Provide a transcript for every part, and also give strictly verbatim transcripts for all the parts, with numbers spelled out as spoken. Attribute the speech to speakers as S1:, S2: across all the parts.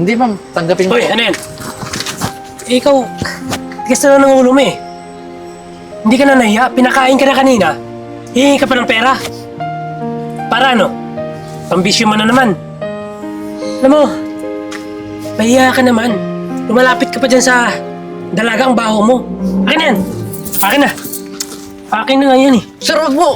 S1: Hindi, ma'am. Tanggapin ko.
S2: Hoy, ano yan? Eh, ikaw, tigas na lang ng ulo mo eh. Hindi ka na nahiya, pinakain ka na kanina. Hihingi ka pa ng pera. Para ano? Pambisyo mo na naman. Alam mo, mahiya ka naman. Lumalapit ka pa dyan sa dalagang baho mo. Akin na yan. Akin na. Akin na nga yan eh.
S1: Sir, wag mo!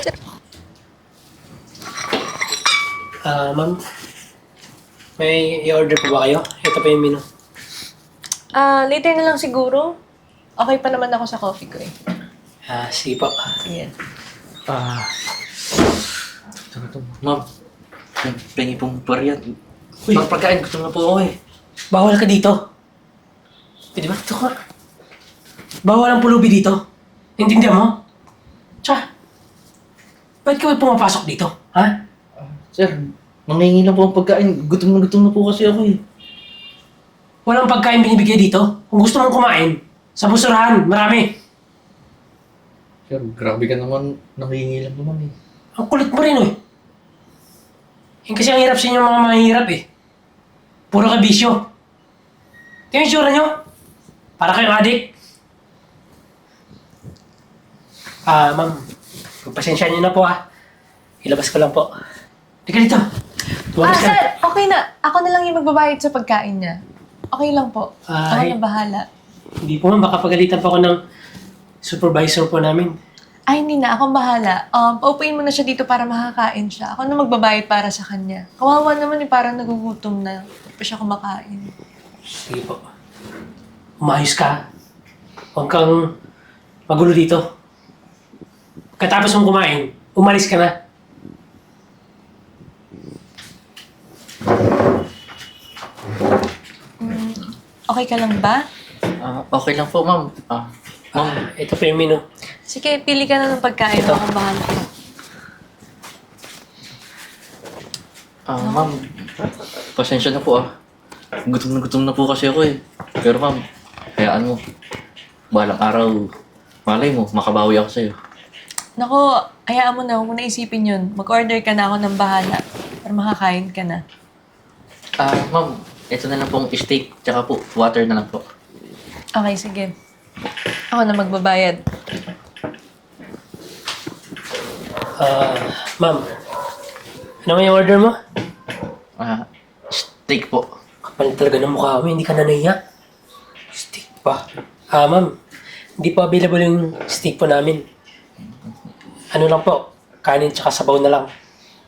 S2: Ah, ma'am. May i-order po ba kayo? Ito pa yung menu.
S3: Ah, later na lang siguro. Okay pa naman ako sa coffee ko eh.
S2: Ah, sige po.
S3: Sige.
S1: Ah... Ano to? Ma'am, pengi pong pariyan.
S2: Uy.
S1: Ma'am, pagkain gusto na po ako eh.
S2: Bawal ka dito. Pwede ba? Ito ka. Bawal ang pulubi dito. Intindihan mo? Tsaka, bakit ka ba pumapasok dito? Ha?
S1: Sir, mangingi lang po ang pagkain. Gutom na gutom na po kasi ako eh.
S2: Walang pagkain binibigay dito. Kung gusto mong kumain, sa busurahan, marami.
S1: Sir, grabe ka naman. Nangingi lang naman eh.
S2: Ang kulit mo rin eh. Yung kasi ang hirap sa inyo mga mahirap eh. Puro ka bisyo. Tingnan yung tsura nyo. Para kayong adik. Ah, ma'am. Pagpasensya niyo na po ah. Ilabas ko lang po. Teka dito.
S3: Ah,
S2: Tumakas ka.
S3: sir! Okay na. Ako na lang yung magbabayad sa pagkain niya. Okay lang po. Ako
S2: Ay.
S3: na bahala.
S2: Hindi po ma'am, baka pagalitan pa ako ng supervisor po namin.
S3: Ay, hindi na. Akong bahala. Um, paupuin mo na siya dito para makakain siya. Ako na magbabayad para sa kanya. Kawawa naman eh, parang nagugutom na. Hindi pa siya kumakain.
S2: Sige po. Umayos ka. Huwag kang magulo dito. Katapos mong kumain, umalis ka na.
S3: Okay ka lang ba?
S1: Ah, okay lang po, ma'am. Ah, ma'am.
S2: Ah, ito po yung menu.
S3: Sige, pili ka na ng pagkain.
S2: Ito.
S3: Akong bahala.
S1: Ah, ma'am. Pasensya na po ah. Gutom na gutom na po kasi ako eh. Pero ma'am, hayaan mo. Balang araw, malay mo, makabawi ako sa'yo.
S3: Nako, hayaan mo na. Huwag mo na isipin yun. Mag-order ka na ako ng bahala. Para makakain ka na.
S1: Ah, ma'am, ito na lang pong steak, tsaka po, water na lang po.
S3: Okay, sige. Ako na magbabayad.
S2: Ah, ma'am. Ano nga yung order mo?
S1: Ah, steak po.
S2: Kapal talaga ng mukha mo, hindi ka na nahiya. Steak pa. Ah, ma'am. Hindi po available yung steak po namin. Ano lang po, kanin tsaka sabaw na lang.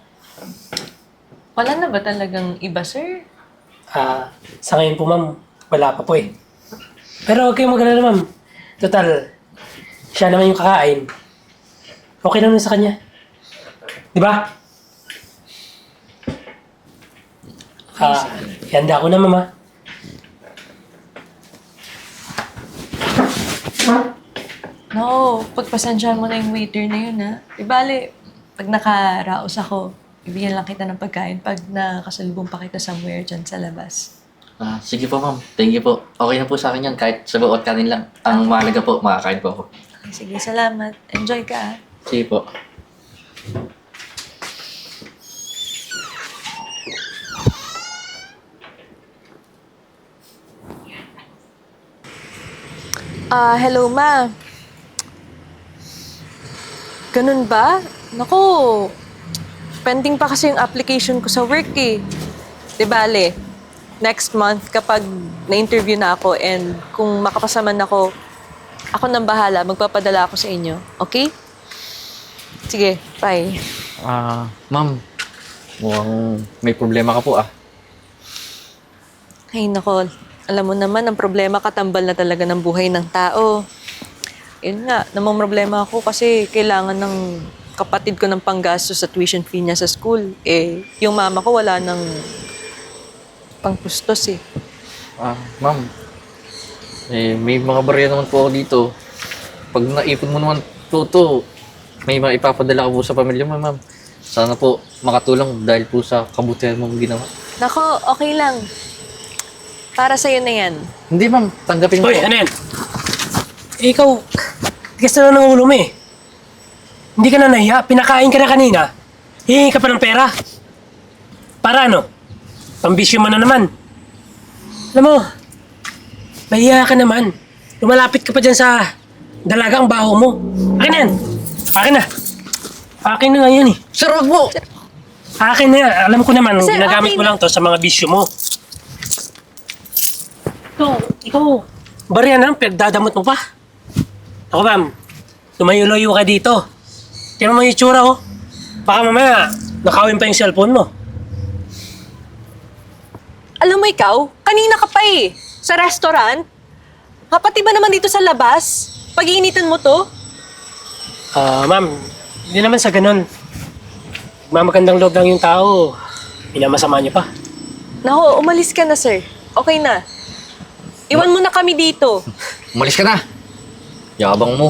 S3: Wala na ba talagang iba, sir?
S2: Ah, sa ngayon po ma'am, wala pa po eh. Pero huwag kayong mag-alala ma'am. Total, siya naman yung kakain. Okay lang na sa kanya. Di ba? Ah, ihanda ko na mama.
S3: No, pagpasensyahan mo na yung waiter na yun, ha? Di bale, pag nakaraos ako, ibigyan lang kita ng pagkain pag nakasalubong pa kita somewhere dyan sa labas.
S1: Ah, sige po ma'am, thank you po. Okay na po sa akin yan, kahit sabaw at kanin lang. Ang mahalaga po, makakain po ako.
S3: Okay, sige, salamat. Enjoy ka, ha?
S1: Sige po.
S3: Ah, hello, ma. Ganun ba? Naku, pending pa kasi yung application ko sa work eh. Di bale, next month kapag na-interview na ako and kung makapasa man ako, ako nang bahala, magpapadala ako sa inyo. Okay? Sige, bye.
S1: Ah, ma'am, mukhang may problema ka po ah.
S3: Ay, nako. Alam mo naman, ang problema katambal na talaga ng buhay ng tao. Yun nga, namang problema ako kasi kailangan ng kapatid ko ng panggastos sa tuition fee niya sa school. Eh, yung mama ko wala ng pangkustos eh.
S1: Ah, ma'am, eh, may mga barya naman po ako dito. Pag naipon mo naman po to, may maipapadala ko po sa pamilya mo, ma'am. Sana po makatulong dahil po sa kabutihan mong ginawa.
S3: Nako, okay lang. Para sa'yo na yan.
S1: Hindi, ma'am. Tanggapin mo
S2: Hoy,
S1: po.
S2: ano yan? Eh, ikaw, tigas na lang ng ulo mo eh. Hindi ka na nahiya, pinakain ka na kanina. Hihingi ka pa ng pera. Para ano? Pambisyo mo na naman. Alam mo, mahiya ka naman. Lumalapit ka pa dyan sa dalagang baho mo. Akin na yan. Akin na. Akin na nga yan eh.
S1: Sir, wag mo!
S2: Akin na yan. Alam ko naman,
S3: Sir,
S2: ginagamit
S3: akin
S2: mo
S3: na.
S2: lang to sa mga bisyo mo. Ikaw, ikaw, bariya na, pinagdadamot mo pa. Ako ma'am, lumayo-layo ka dito. Tingnan mo yung itsura oh. Baka mamaya, nakawin pa yung cellphone mo.
S3: Alam mo ikaw, kanina ka pa eh. Sa restaurant. Kapati ba naman dito sa labas? Pag-iinitan mo to?
S2: Ah, ma'am, hindi naman sa ganun. Mamagandang loob lang yung tao. Minamasama niyo pa.
S3: Nako, umalis ka na sir. Okay na. Iwan mo na kami dito.
S1: Umalis ka na! Yabang mo.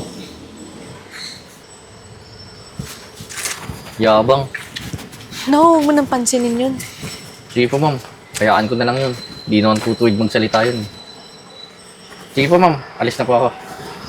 S1: Yabang.
S3: No, huwag mo nang pansinin yun.
S1: Sige po, ma'am. Kayaan ko na lang yun. Di naman po tuwid magsalita yun. Sige po, ma'am. Alis na po ako.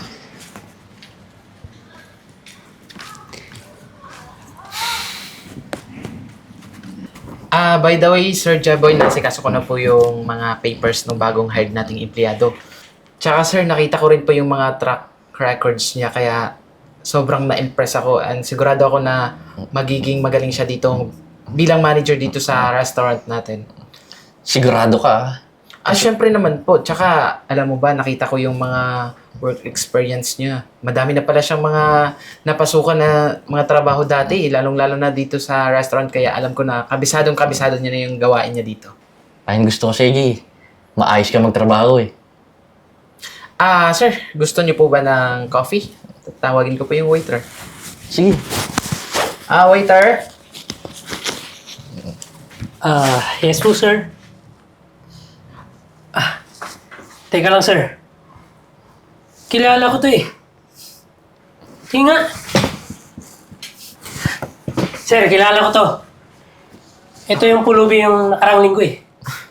S4: Ah, by the way, Sir Jeboy, nasikaso ko na po yung mga papers ng bagong hired nating empleyado. Tsaka sir, nakita ko rin po yung mga track records niya, kaya sobrang na-impress ako and sigurado ako na magiging magaling siya dito bilang manager dito sa restaurant natin.
S1: Sigurado ka, ah.
S4: Ah, syempre naman po. Tsaka, alam mo ba, nakita ko yung mga work experience niya. Madami na pala siyang mga napasukan na mga trabaho dati, lalong-lalo na dito sa restaurant. Kaya alam ko na kabisadong-kabisado niya na yung gawain niya dito.
S1: Ayun gusto ko, sige. Maayos ka magtrabaho, eh.
S4: Ah, sir, gusto niyo po ba ng coffee? Tawagin ko po yung waiter.
S1: Sige.
S4: Ah, waiter?
S2: Ah, yes po, sir. Ah, teka lang, sir. Kilala ko to eh. Sige nga. Sir, kilala ko to. Ito yung pulubi yung nakarang linggo eh.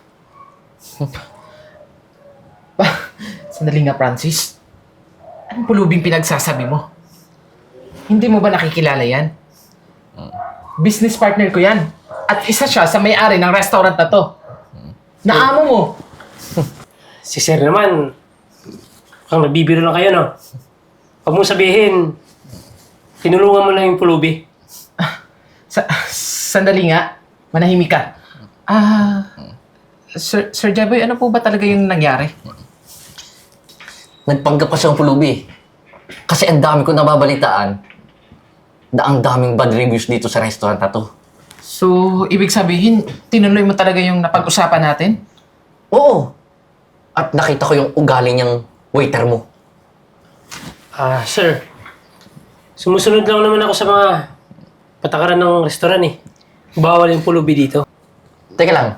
S4: Sandali nga, Francis. Anong pulubing pinagsasabi mo? Hindi mo ba nakikilala yan? Business partner ko yan. At isa siya sa may-ari ng restaurant na to. Naamo mo.
S2: Si sir naman, kang nagbibiro lang kayo, no? Huwag mong sabihin, tinulungan mo lang yung pulubi.
S4: Sa sandali nga. Manahimik ka. Ah... Sir, Sir Jeboy, ano po ba talaga yung nangyari?
S1: Nagpanggap ka siyang pulubi. Kasi ang dami ko nababalitaan na ang daming bad reviews dito sa restaurant na to.
S4: So, ibig sabihin, tinuloy mo talaga yung napag-usapan natin?
S1: Oo. At nakita ko yung ugali niyang waiter mo.
S2: Ah, sir. Sumusunod lang naman ako sa mga patakaran ng restoran eh. Bawal yung pulubi dito.
S1: Teka lang.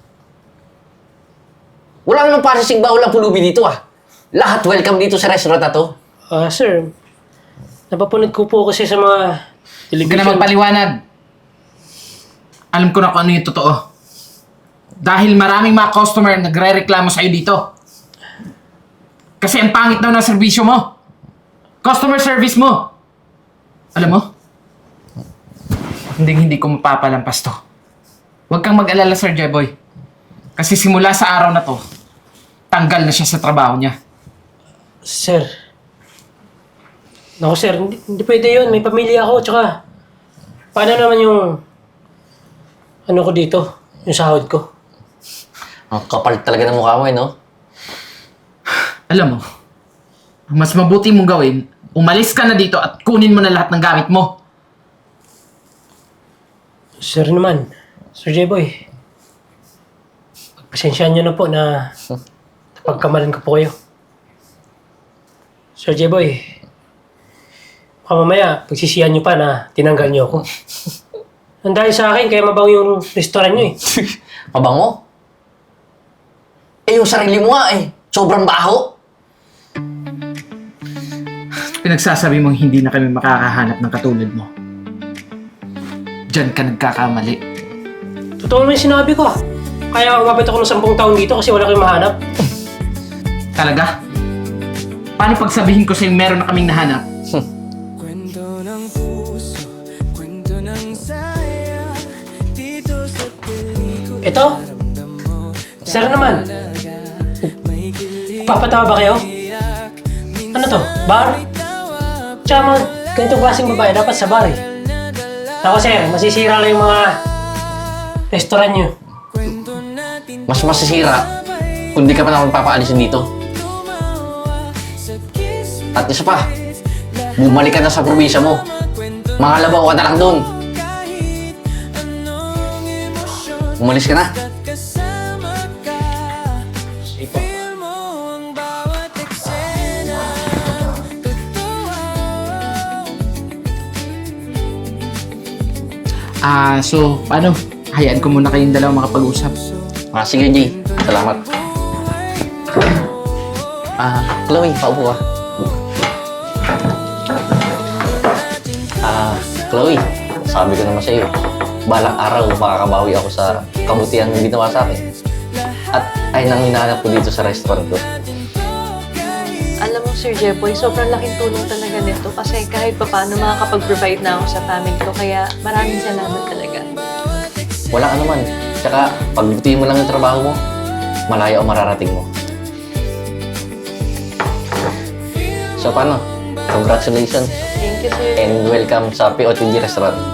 S1: Wala namang parising bawal ang pulubi dito, ah. Lahat welcome dito sa restaurant na to.
S2: Ah, sir. Napapunod ko po kasi sa mga
S4: Huwag ka
S2: television.
S4: na magpaliwanag. Alam ko na kung ano yung totoo. Dahil maraming mga customer nagre-reklamo sa'yo dito. Kasi ang pangit daw ng serbisyo mo. Customer service mo. Alam mo? Hindi hindi ko mapapalampas to. Huwag kang mag-alala, Sir Jeboy. Kasi simula sa araw na to, tanggal na siya sa trabaho niya.
S2: Sir. Naku, sir. Hindi, hindi pwede yun. May pamilya ako. Tsaka, paano naman yung ano ko dito? Yung sahod ko?
S1: Ang kapal talaga ng mukha mo, eh, no?
S4: Alam mo, ang mas mabuti mong gawin, umalis ka na dito at kunin mo na lahat ng gamit mo.
S2: Sir naman. Sir J-Boy. Pagpasensyaan niyo na po na napagkamalan ko po kayo. Sir J-Boy. Baka mamaya, pagsisiyan niyo pa na tinanggal niyo ako. Ang dahil sa akin, kaya mabaw yung restaurant niyo eh.
S1: Mabango? Eh, yung sarili mo nga, eh. Sobrang baho.
S4: Pinagsasabi mong hindi na kami makakahanap ng katulad mo. Diyan ka nagkakamali.
S2: Totoo naman yung sinabi ko ah. Kaya umabot ako ng sampung taon dito kasi wala kayong mahanap.
S4: Talaga? Paano pagsabihin ko sa'yo meron na kaming nahanap?
S5: Kwento ng puso, kwento ng saya, dito sa pelikula
S2: Ito? Sir naman. Papatawa ba kayo? Ano to? Bar? Tsaka mga ganitong klaseng babae dapat sa bar eh. Ako sir, masisira lang yung mga restaurant nyo.
S1: Mas masisira kung di ka pa naman papaalisin dito. At isa pa, bumalik ka na sa probinsya mo. Mangalabaw ka na lang doon. Umalis ka na.
S4: Ah, so, paano? Hayaan ko muna kayong dalawa makapag-usap.
S1: Ah, sige, Jay. Salamat. Ah, Chloe, paupo ka. Ah, Chloe, sabi ko naman sa'yo, balang araw makakabawi ako sa kabutihan mo ginawa sa akin. At ay nang hinahanap ko dito sa restaurant ko.
S3: Alam mo, Sir Jeboy, sobrang laking tulong talaga nito kasi kahit pa paano makakapag-provide na ako sa family ko. Kaya maraming salamat talaga.
S1: Wala ka naman. Tsaka, pagbutihin mo lang yung trabaho mo, malayo ang mararating mo. So, paano? Congratulations
S3: Thank you, Sir.
S1: and welcome sa P O T G Restaurant.